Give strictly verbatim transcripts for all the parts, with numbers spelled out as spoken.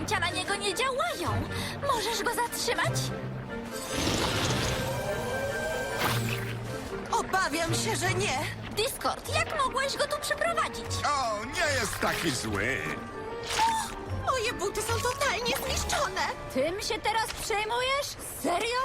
zaklęcia na niego nie działają. Możesz go zatrzymać? Obawiam się, że nie. Discord, jak mogłeś go tu przyprowadzić? O, nie jest taki zły. Moje buty są totalnie zniszczone. Tym się teraz przejmujesz? Serio?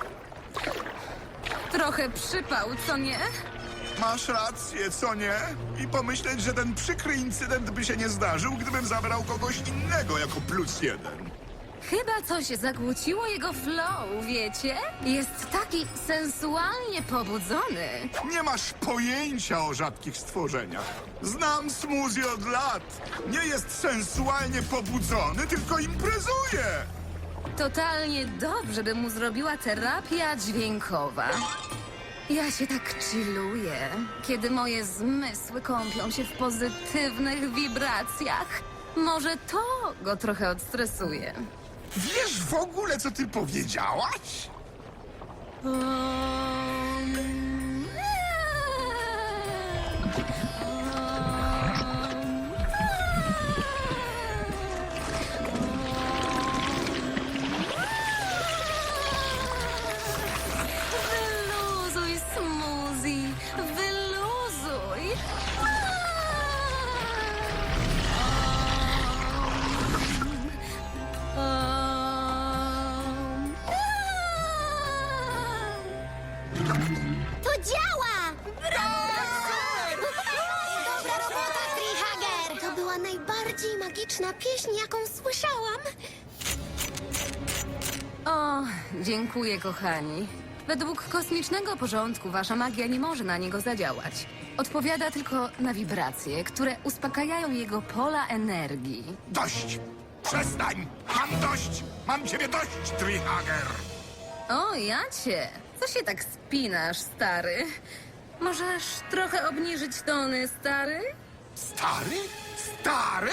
Trochę przypał, co nie? Masz rację, co nie? I pomyśleć, że ten przykry incydent by się nie zdarzył, gdybym zabrał kogoś innego jako plus jeden. Chyba coś zakłóciło jego flow, wiecie? Jest taki sensualnie pobudzony. Nie masz pojęcia o rzadkich stworzeniach. Znam Smoothie od lat. Nie jest sensualnie pobudzony, tylko imprezuje. Totalnie dobrze by mu zrobiła terapia dźwiękowa. Ja się tak chilluję, kiedy moje zmysły kąpią się w pozytywnych wibracjach. Może to go trochę odstresuje. Wiesz w ogóle, co ty powiedziałaś? Um, Wyluzuj, Smoothie, wyluzuj. Um, To działa! Dobra robota, Treehager! To była najbardziej magiczna pieśń, jaką słyszałam. O, dziękuję, kochani. Według kosmicznego porządku wasza magia nie może na niego zadziałać. Odpowiada tylko na wibracje, które uspokajają jego pola energii. Dość! Przestań! Mam dość! Mam ciebie dość, Treehager! O, Jacie, co się tak spinasz, stary? Możesz trochę obniżyć tony, stary? Stary? Stary?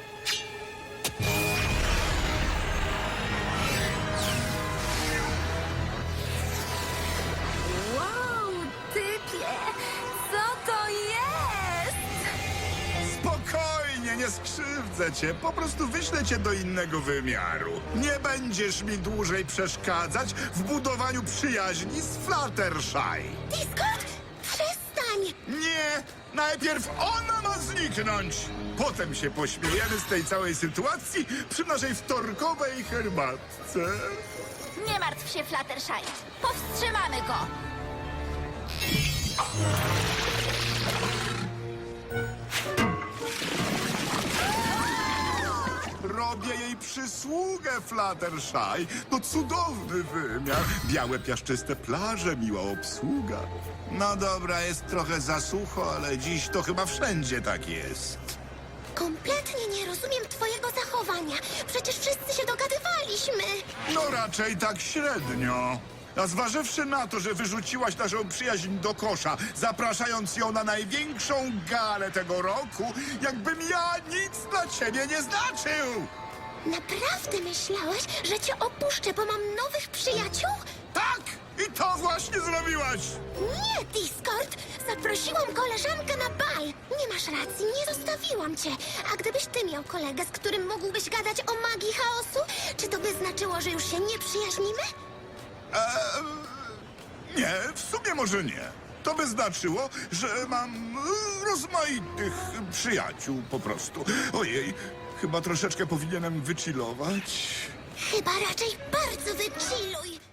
Wow, typie, co to jest? Spokojnie, nie skrzywdzę cię. Po prostu wyślę cię do innego wymiaru. Nie będziesz mi dłużej przeszkadzać w budowaniu przyjaźni z Fluttershy. Discord, przestań! Nie! Najpierw ona ma zniknąć! Potem się pośmiejemy z tej całej sytuacji przy naszej wtorkowej herbatce. Nie martw się, Fluttershy. Powstrzymamy go. Robię jej przysługę, Fluttershy. To cudowny wymiar. Białe, piaszczyste plaże, miła obsługa. No dobra, jest trochę za sucho, ale dziś to chyba wszędzie tak jest. Kompletnie nie rozumiem twojego zachowania. Przecież wszyscy się dogadywaliśmy. No raczej tak średnio. A zważywszy na to, że wyrzuciłaś naszą przyjaźń do kosza, zapraszając ją na największą galę tego roku, jakbym ja nic dla ciebie nie znaczył! Naprawdę myślałeś, że cię opuszczę, bo mam nowych przyjaciół? Tak! I to właśnie zrobiłaś! Nie, Discord! Zaprosiłam koleżankę na bal. Nie masz racji, nie zostawiłam cię. A gdybyś ty miał kolegę, z którym mógłbyś gadać o magii chaosu, czy to by znaczyło, że już się nie przyjaźnimy? Eee, nie, w sumie może nie. To by znaczyło, że mam e, rozmaitych przyjaciół po prostu. Ojej, chyba troszeczkę powinienem wychillować. Chyba raczej bardzo wychilluj.